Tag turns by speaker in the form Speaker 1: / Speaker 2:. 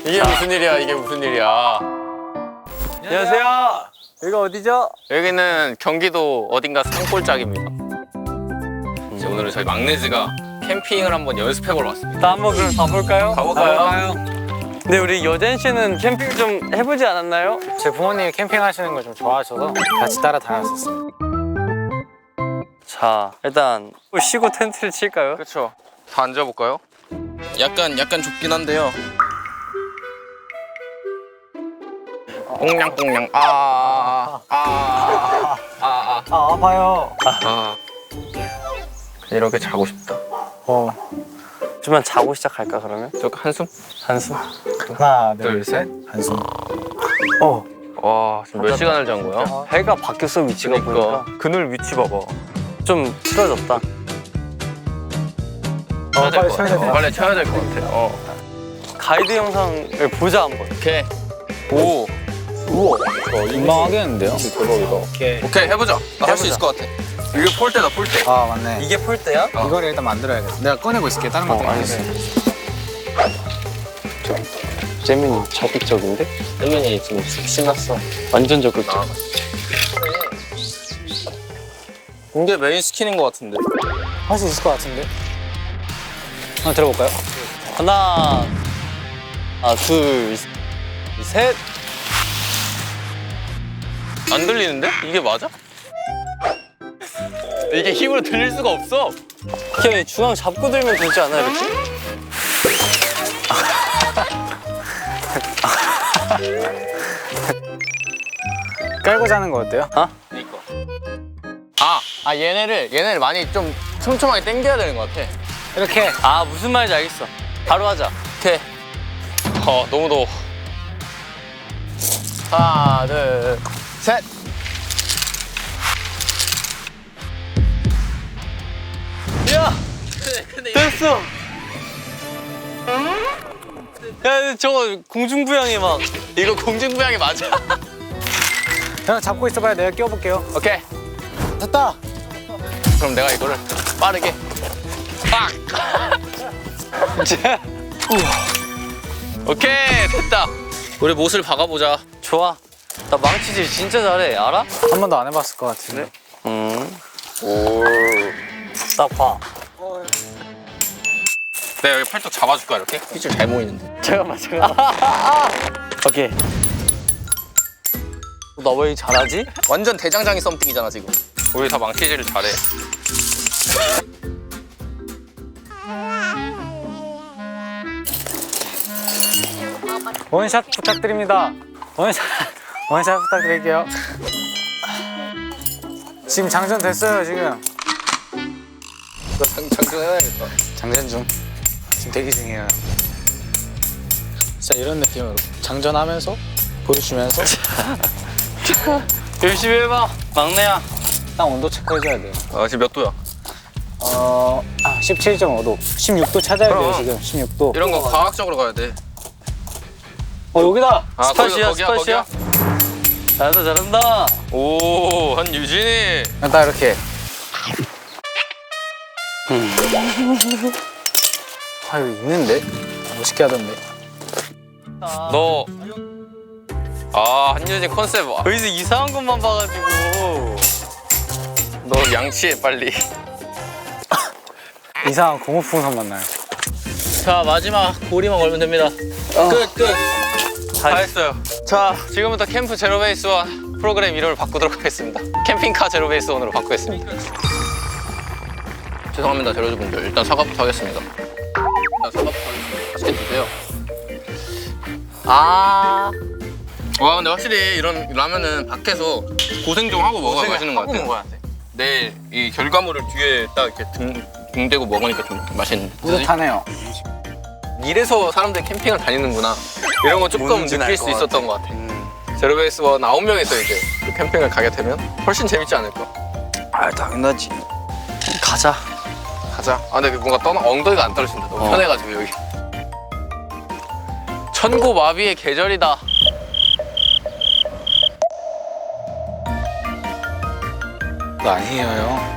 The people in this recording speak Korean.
Speaker 1: 이게 무슨 일이야, 이게 무슨 일이야.
Speaker 2: 안녕하세요. 여기가 어디죠?
Speaker 1: 여기는 경기도 어딘가 산골짜기입니다. 오늘은 저희 막내즈가 캠핑을 한번 연습해보러 왔습니다.
Speaker 2: 나 한번 그럼 가볼까요?
Speaker 1: 가볼까요?
Speaker 2: 네, 우리 여젠 씨는 캠핑 좀 해보지 않았나요?
Speaker 3: 제 부모님이 캠핑하시는 걸 좀 좋아하셔서 같이 따라 다녔었어요.
Speaker 2: 자, 일단 쉬고 텐트를 칠까요?
Speaker 1: 그렇죠. 다 앉아볼까요? 약간 좁긴 한데요. 꽁냥꽁냥
Speaker 3: 아파요.
Speaker 1: 이렇게 자고 싶다.
Speaker 2: 좀만 자고 시작할까 그러면?
Speaker 1: 저 한숨?
Speaker 2: 한숨?
Speaker 3: 하나,
Speaker 1: 둘, 셋.
Speaker 3: 한숨.
Speaker 1: 와, 지금 몇 시간을 잔 거야?
Speaker 2: 해가 바뀌었어, 위치가 보니까.
Speaker 1: 그늘 위치 봐봐.
Speaker 2: 좀 틀어졌다.
Speaker 3: 빨리 쳐야 돼.
Speaker 1: 빨리 쳐야 될 것 같아.
Speaker 2: 가이드 영상을 보자 한번.
Speaker 1: 오케이. 오.
Speaker 3: 우와. 민망하겠는데요?
Speaker 1: 오케이, 해보자. 나 할 수 있을 것 같아. 이게 폴대다, 폴대.
Speaker 3: 아, 맞네.
Speaker 2: 이게 폴대야?
Speaker 3: 이걸 일단 만들어야겠다. 내가 꺼내고 있을게. 다른 것도
Speaker 2: 알겠어. 재민이 적극적인데?
Speaker 1: 혜민이 지금 신났어.
Speaker 2: 완전 적극적.
Speaker 1: 이게 메인 스킨인 것 같은데.
Speaker 3: 할 수 있을 것 같은데? 한번 들어볼까요?
Speaker 2: 하나, 둘, 셋.
Speaker 1: 안 들리는데? 이게 맞아? 이게 힘으로 들릴 수가 없어.
Speaker 2: 그냥 중앙 잡고 들면 되지 않아 이렇게?
Speaker 3: 깔고 자는 거 어때요?
Speaker 1: 얘네를 많이 좀 촘촘하게 당겨야 되는 것 같아.
Speaker 3: 이렇게.
Speaker 2: 아, 무슨 말인지 알겠어. 바로 하자.
Speaker 1: 오케이. 너무 더워. 하나, 둘, 셋.
Speaker 2: 야! 됐어! 야, 근데 저거 공중부양이 막.
Speaker 1: 이거 공중부양이 맞아?
Speaker 3: 형 잡고 있어봐요. 내가 끼워볼게요.
Speaker 1: 오케이.
Speaker 3: 됐다.
Speaker 1: 그럼 내가 이거를 빠르게 빵! 오케이, 됐다. 우리 못을 박아보자.
Speaker 2: 좋아. 나 망치질 진짜 잘해. 알아?
Speaker 3: 한 번도 안 해봤을 것 같은데.
Speaker 1: 오.
Speaker 2: 딱 봐.
Speaker 1: 내가 여기 팔뚝 잡아줄까, 이렇게? 핏줄 잘 모이는데.
Speaker 2: 잠깐만. 오케이. 나 왜 잘하지?
Speaker 1: 완전 대장장이 썸띵이잖아, 지금. 우리 다 망치질을 잘해.
Speaker 3: 원샷 부탁드립니다. 원샷 부탁드릴게요. 지금 장전 됐어요, 지금.
Speaker 1: 나 장전해야겠다.
Speaker 3: 장전 중. 지금 대기 중이에요. 진짜 이런 느낌으로 장전하면서 보여주면서
Speaker 2: 열심히 해봐. 막내야.
Speaker 3: 딱 온도 체크해줘야 돼요.
Speaker 1: 지금 몇 도야?
Speaker 3: 17.5도. 16도 찾아야 돼요,
Speaker 1: 그럼.
Speaker 3: 지금. 16도.
Speaker 1: 이런 거 과학적으로 가야 돼.
Speaker 3: 여기다.
Speaker 2: 스팟이야,
Speaker 1: 거기야.
Speaker 2: 스팟이야. 잘한다.
Speaker 1: 오, 한유진이.
Speaker 3: 딱 이렇게. 여기 있는데? 멋있게 하던데.
Speaker 1: 너. 한유진 컨셉.
Speaker 2: 여기서 이상한 것만 봐가지고.
Speaker 1: 너 양치해, 빨리.
Speaker 3: 이상한 고무풍선 만나요.
Speaker 1: 자, 마지막 고리만 걸면 됩니다. 끝. 다 했어요. 자, 지금부터 캠프 제로베이스 원 프로그램 이름을 바꾸도록 하겠습니다. 캠핑카 제로베이스 원으로 바꾸겠습니다. 죄송합니다, 제로즈분들. 일단 사과부터 하겠습니다. 맛있게 드세요. 와, 근데 확실히 이런 라면은 밖에서 고생 좀 하고 먹어야 맛있는 것 같아요. 내일 이 결과물을 뒤에 딱 이렇게 등 대고 먹으니까 좀 맛있는데.
Speaker 3: 뿌듯하네요.
Speaker 1: 이래서 사람들이 캠핑을 다니는구나. 이런 거 조금
Speaker 2: 뭔지
Speaker 1: 느낄
Speaker 2: 알
Speaker 1: 수
Speaker 2: 것
Speaker 1: 있었던 것 같아. 제로베이스 원 9명이서 이제 캠핑을 가게 되면 훨씬 재밌지 않을까?
Speaker 2: 당연하지. 가자.
Speaker 1: 근데 뭔가 엉덩이가 안 떨어진다. 너무 편해가지고 여기. 천고마비의 계절이다.
Speaker 3: 그거 아니에요, 형.